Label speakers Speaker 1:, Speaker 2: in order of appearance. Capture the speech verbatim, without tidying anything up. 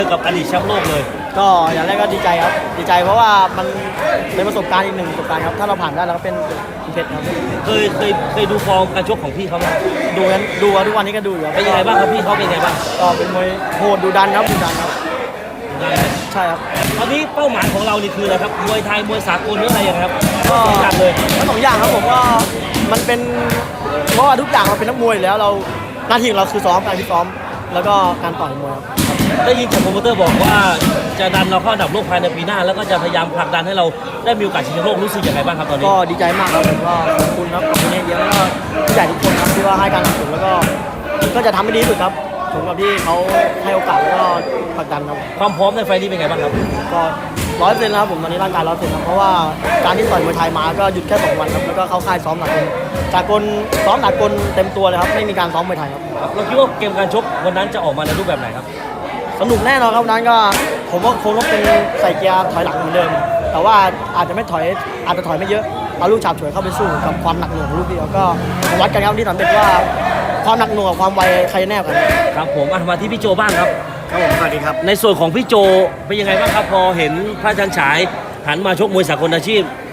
Speaker 1: กับอดีตแชมป์โลกเลย
Speaker 2: ก็อย่างแรกก็ดีใจครับดีใจเพราะว่ามันเป็นประสบการณ์อีกหนึ่งประสบการณ์ครับถ้าเราผ่านได้เราก็เป็นเพชรครับ
Speaker 1: เคยเคยเคยดูฟอร์มการชกของพี่เขาไหม
Speaker 2: ดูกันดูครับทุกวันนี้ก็ดูอยู่ครับ
Speaker 1: เป็นยังไงบ้างครับพี่เขาเป็นยังไงบ้าง
Speaker 2: ก็เป็นมวยโหดดูดันครับดูดันครับ
Speaker 1: ได้ไหม
Speaker 2: ใช่ครับ
Speaker 1: ตอนนี้เป้าหมายของเรานี่คืออะไรครับมวยไทยมวยสากลหรืออะไรอย่างไรครับ
Speaker 2: ก็
Speaker 1: สองอย่างเลย
Speaker 2: ทั้งสองอย่างครับผมว่ามันเป็นเพราะว่าทุกอย่างเราเป็นนักมวยอยู่แล้วเราหน้าที่ของเราคือซ้อมการที่ซ้อมแล้วก็การต่อยมวยครับ
Speaker 1: ได้ยินจากโปรโมเตอร์บอกว่าจะดันเราเข้าอันดับโลกภายในปีหน้า แล้วก็จะพยายามผลักดันให้เราได้มีโอกาสชิงแชมป์โลกรู้สึกยังไงบ้างครับตอนนี้
Speaker 2: ก็ดีใจมากครับผมก็ขอบคุณครับขอบคุณเยอะๆแล้วก็ผู้ใหญ่ทุกคนครับที่ว่าให้การสนับสนุนแล้วก็ก็จะทำให้ดีที่สุดครับสมกับที่เขาให้โอกาสแล้วก็ผลักดันครับ
Speaker 1: ความพร้อมในไฟล์นี้เป็นไงบ้างครับ
Speaker 2: ก็ร้อยเปอร์เซ็นต์แล้วครับผมตอนนี้ร่างกายร้อยเปอร์เซ็นต์ครับเพราะว่าการที่ต่อยมวยไทยมาก็หยุดแค่สองวันครับแล้วก็เข้าค่ายซ้อมหนักสากลซ้อมหนักกลเต็มตัวเลยครับไม่มีการซ้อมมวยไทยครับ
Speaker 1: เราคิดว่าเกมการชกวันนั้นจะออกมาในรูปแบบไหนครับ
Speaker 2: สนุกแน่นอนครับวันนั้นก็ผมว่าคงต้องเป็นใส่เกียร์ถอยหลังเหมือนเดิม แต่ว่าอาจจะไม่ถอยอาจจะถอยไม่เยอะเอาลูกฉาบฉวยเข้าไปสู้กับความหนักหน่วงของลูกเดียวก็วัดกันครับที่สำเร็จว่าความหนักหน่วงกับความไวใครแน่กว่ากัน
Speaker 1: ครับผมอ่ะมาที่พี่โจบ้างครับ
Speaker 2: ครับผมสวัสดีครับ
Speaker 1: ในส่วนของพี่โจเป็นยังไงบ้างครับพอเห็นพระจันทร์ฉายหันมาชกมวยสากลอาชีพ